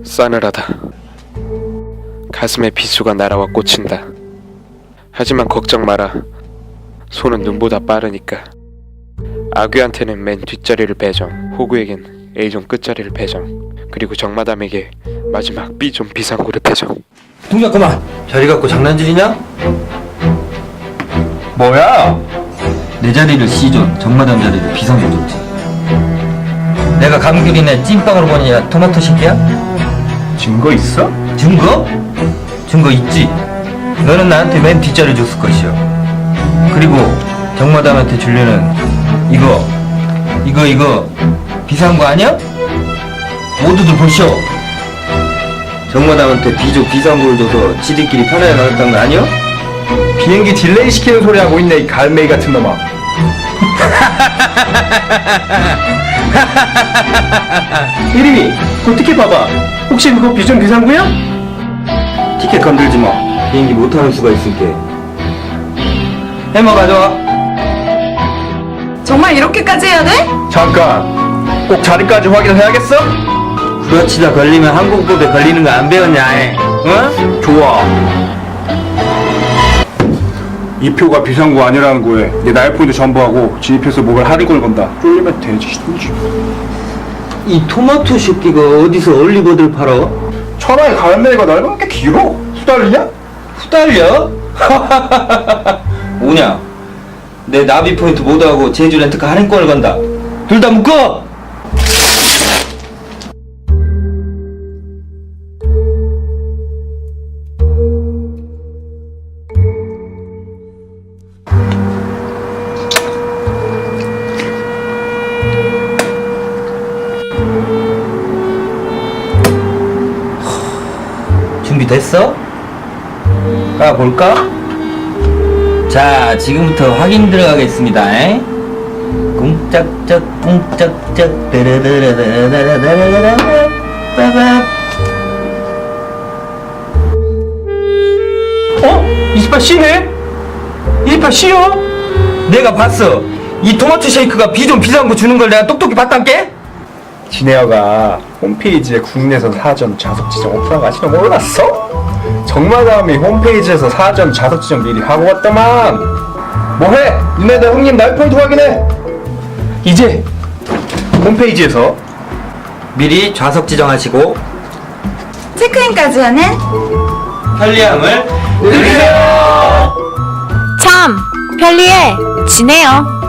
싸늘하다. 가슴에 비수가 날아와 꽂힌다. 하지만 걱정 마라. 손은 눈보다 빠르니까. 아귀한테는 맨 뒷자리를 배정, 호구에겐 A존 끝자리를 배정, 그리고 정마담에게 마지막 B존 비상구를 배정. 동작 그만! 자리 갖고 장난질이냐? 뭐야? 내 자리를 C존, 정마담 자리를 B상에 줬지. 내가 감귤이네 찐빵으로 보냐 토마토 새끼야? 증거 있어? 증거? 증거 있지. 너는 나한테 맨 뒷자리 줬을 것이요. 그리고 정마담한테 줄려는 이거 비상구 아니야? 모두들 보시오. 정마담한테 B조 비상구를 줘서 지들끼리 편하게 가겠다는 거 아니야? 비행기 딜레이 시키는 소리 하고 있네, 이 갈매기 같은 놈아. 이름이 어떻게 봐봐? 혹시 그거 비전 비상구야? 티켓 건들지 마. 비행기 못 타는 수가 있을게. 해머 가져와. 정말 이렇게까지 해야 돼? 잠깐, 꼭 자리까지 확인해야겠어? 그렇지다 걸리면 항공법에 걸리는 거 안 배웠냐? 에? 어? 좋아. 이 표가 비상구 아니라는 거에 내 나이포인트 전부하고 진입해서 목을 할인권을 건다. 쫄리면 되지. 이 토마토 새끼가 어디서 얼리버들 팔아? 천하의 갈매기가 날만 게 길어. 수달리냐? 후달려? 오냐? 내 나비 포인트 모두하고 제주 렌트카 할인권을 건다. 둘 다 묶어! 준비됐어? 까볼까? 자, 지금부터 확인 들어가겠습니다. 에? 꿍짝짝 꿍짝짝 따라라라라라라라라라 빠밤. 어? 28C네? 28C요? 내가 봤어. 이 토마토 쉐이크가 비좀 비싼 거 주는 걸 내가 똑똑히 봤단께? 진혜어가 홈페이지에 국내선 사전 좌석 지정 오프라고 아직 몰랐어? 정마담이 홈페이지에서 사전 좌석 지정 미리 하고 왔더만. 뭐해? 니네들 형님 날포인트 확인해. 이제 홈페이지에서 미리 좌석 지정하시고 체크인까지 하는 편리함을 누리세요. 참 편리해 지내요.